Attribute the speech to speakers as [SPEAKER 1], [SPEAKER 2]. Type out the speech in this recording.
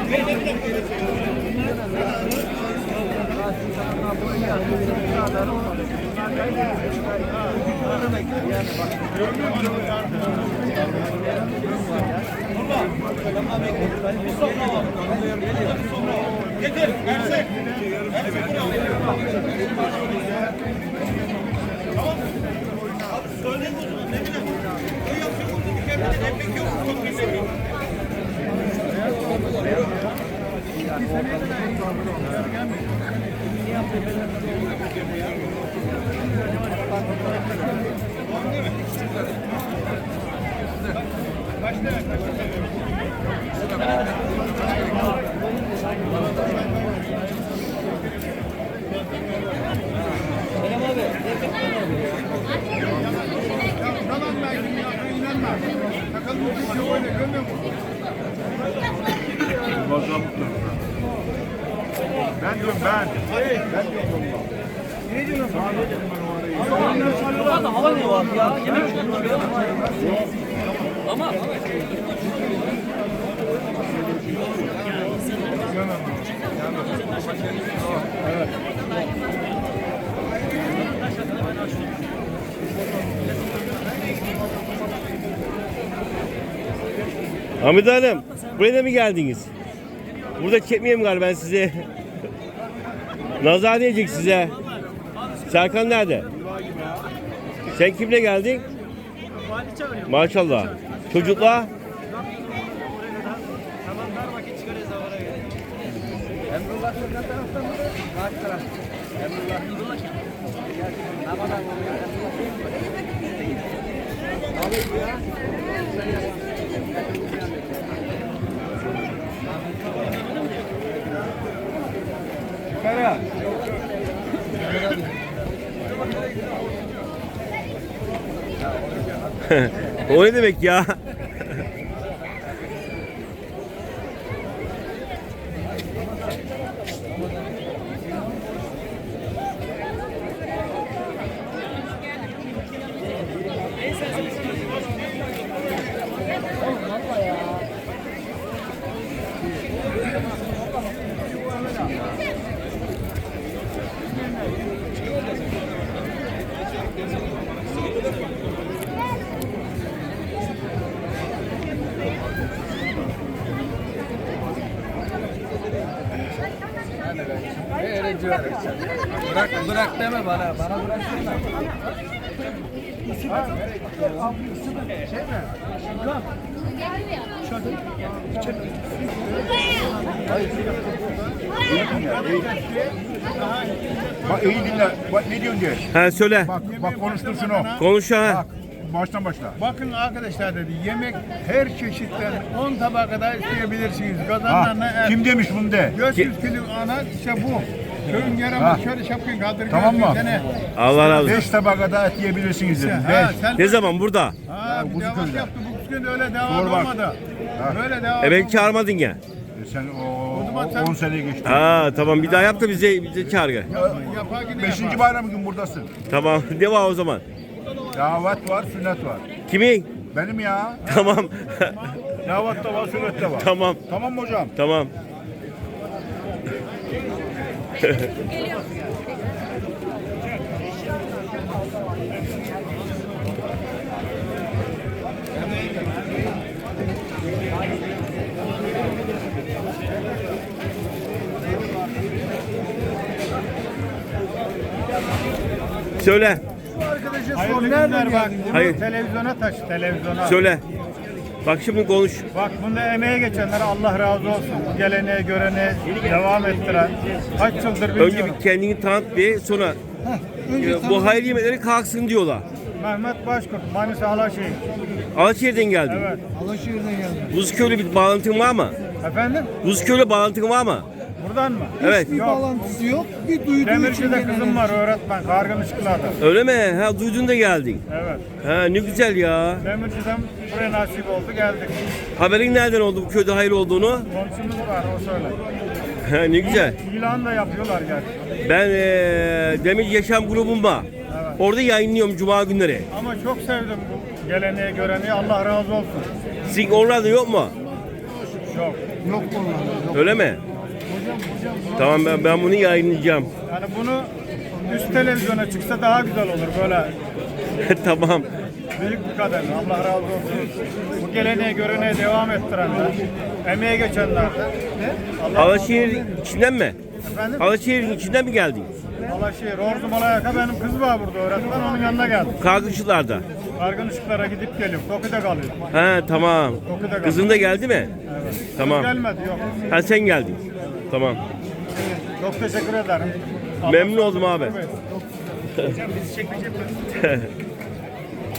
[SPEAKER 1] Getir, versek. Tamam. Söyleyin o zaman, ne bileyim. O yapacak oldu bir kere. Emek yok, çok bir emek.
[SPEAKER 2] Ben diyorum ben. Ne diyorsun?
[SPEAKER 3] Hava ne var ya? Yemek çıkartıyor. Ama
[SPEAKER 2] Evet.
[SPEAKER 4] Hamide Hanım, buraya da mı geldiniz? Burada çekmeyeyim galiba ben size. Nazar diyecek size. Serkan nerede? Sen kimle geldin? Maşallah. Çocukla?
[SPEAKER 3] Emrullah Sokak taraftan mı? Karşı taraf. Emrullah.
[SPEAKER 2] Kara.
[SPEAKER 4] O ne demek ya?
[SPEAKER 3] Bırak deme bana. Bana bırak deme.
[SPEAKER 2] Bak iyi dinle. Bak ne diyorsun diye.
[SPEAKER 4] Ha söyle.
[SPEAKER 2] Bak konuştur şunu.
[SPEAKER 4] Konuş ha.
[SPEAKER 2] Bak baştan başla.
[SPEAKER 5] Bakın arkadaşlar dedi, yemek her çeşitten 10 tabağa kadar isteyebilirsiniz.
[SPEAKER 2] Ha,
[SPEAKER 5] Kazanlarına
[SPEAKER 2] kim demiş bunu de.
[SPEAKER 5] 400 kilo ana işte bu. Köyün
[SPEAKER 2] Ha.
[SPEAKER 5] yaramı şöyle şapkın kaldırıyor.
[SPEAKER 2] Tamam mı?
[SPEAKER 4] Allah razı olsun.
[SPEAKER 2] 5 tabağa kadar et yiyebilirsiniz dedim.
[SPEAKER 5] Ha,
[SPEAKER 2] 5.
[SPEAKER 5] sen
[SPEAKER 4] Ne zaman burada?
[SPEAKER 5] ha, bir devam
[SPEAKER 2] Buzuköy'de.
[SPEAKER 5] yaptı. Bu gün öyle devam
[SPEAKER 2] Sor bak.
[SPEAKER 5] olmadı.
[SPEAKER 2] Ha.
[SPEAKER 5] Böyle devam
[SPEAKER 4] Beni
[SPEAKER 5] olmadı.
[SPEAKER 4] çağırmadın ya.
[SPEAKER 2] Sen
[SPEAKER 5] O zaman sen-
[SPEAKER 2] 10 seneye geçti.
[SPEAKER 4] Ha tamam bir daha yap da bize çağır gel.
[SPEAKER 5] Yapar yine
[SPEAKER 2] 5.
[SPEAKER 5] yapar.
[SPEAKER 2] bayram gün buradasın.
[SPEAKER 4] Tamam ne var o zaman?
[SPEAKER 2] Davet var, sünnet var.
[SPEAKER 4] Kimin?
[SPEAKER 2] Benim ya.
[SPEAKER 4] Tamam.
[SPEAKER 2] Davet de var, sünnet de var.
[SPEAKER 4] Tamam.
[SPEAKER 2] Tamam mı hocam?
[SPEAKER 4] Tamam. Söyle.
[SPEAKER 5] Hayırlı günler bak. Bunu
[SPEAKER 4] Hayır.
[SPEAKER 5] televizyona taş, televizyona.
[SPEAKER 4] Söyle. Bak şimdi konuş.
[SPEAKER 5] Bak bunda emeğe geçenlere Allah razı olsun. Bu geleneğe görene devam ettiren. Kaç yıldır bilmiyorum.
[SPEAKER 4] Önce bir kendini tanıt bir sonra bu hayır yemekleri kalksın diyorlar.
[SPEAKER 5] Mehmet Başkurt, Manisa Alaşehir.
[SPEAKER 4] Alaçatı'dan geldin.
[SPEAKER 5] Evet.
[SPEAKER 3] Alaşehir'den geldim.
[SPEAKER 4] Buzköy'le bir bağlantın var mı?
[SPEAKER 5] Efendim?
[SPEAKER 4] Buzköy'le bağlantın var mı?
[SPEAKER 5] Buradan mı?
[SPEAKER 4] Evet.
[SPEAKER 3] Bir
[SPEAKER 5] Yok.
[SPEAKER 3] bağlantısı yok. Bir duyduğu için
[SPEAKER 5] Demirci'de
[SPEAKER 3] gelen
[SPEAKER 5] kızım var öğretmen. Kargımışkılar'da.
[SPEAKER 4] Öyle mi? Ha duydun da geldin.
[SPEAKER 5] Evet.
[SPEAKER 4] Ha ne güzel ya.
[SPEAKER 5] Demirci'den buraya nasip oldu geldik.
[SPEAKER 4] Haberin nereden oldu bu köyde hayır olduğunu?
[SPEAKER 5] Komşumuz var o söyle.
[SPEAKER 4] Ha ne güzel.
[SPEAKER 5] İlan da yapıyorlar gerçi.
[SPEAKER 4] Ben Demir Yaşam grubum var.
[SPEAKER 5] Evet.
[SPEAKER 4] Orada yayınlıyorum cuma günleri.
[SPEAKER 5] Ama çok sevdim bu geleneğe göreni. Allah razı olsun.
[SPEAKER 4] Sizin oralarda yok mu?
[SPEAKER 5] Yok. Yok bunlar.
[SPEAKER 4] Öyle mi? Tamam ben bunu yayınlayacağım.
[SPEAKER 5] Yani bunu üst televizyona çıksa daha güzel olur böyle.
[SPEAKER 4] Tamam.
[SPEAKER 5] Büyük bir kader. Allah razı olsun. Bu geleneği göreneği devam ettirenler, emeğe geçenler. Allah
[SPEAKER 4] Alaşehir içinden mi?
[SPEAKER 5] Efendim?
[SPEAKER 4] Alaşehir'in içinden mi geldin?
[SPEAKER 5] Alaşehir, Ordu Malayaka benim kız var burada öğretmen. Onun yanına geldim.
[SPEAKER 4] Kargıcılarda.
[SPEAKER 5] Kargın ışıklara gidip geliyor. Toki'de kalıyor.
[SPEAKER 4] He tamam.
[SPEAKER 5] Toki'de kalıyor.
[SPEAKER 4] Kızın da geldi mi?
[SPEAKER 5] Evet.
[SPEAKER 4] Tamam.
[SPEAKER 5] Gelmedi yok.
[SPEAKER 4] Ha sen geldin. Tamam.
[SPEAKER 5] Çok teşekkür ederim.
[SPEAKER 4] Memnun oldum abi.
[SPEAKER 5] Hocam bizi çekmeyecek mi?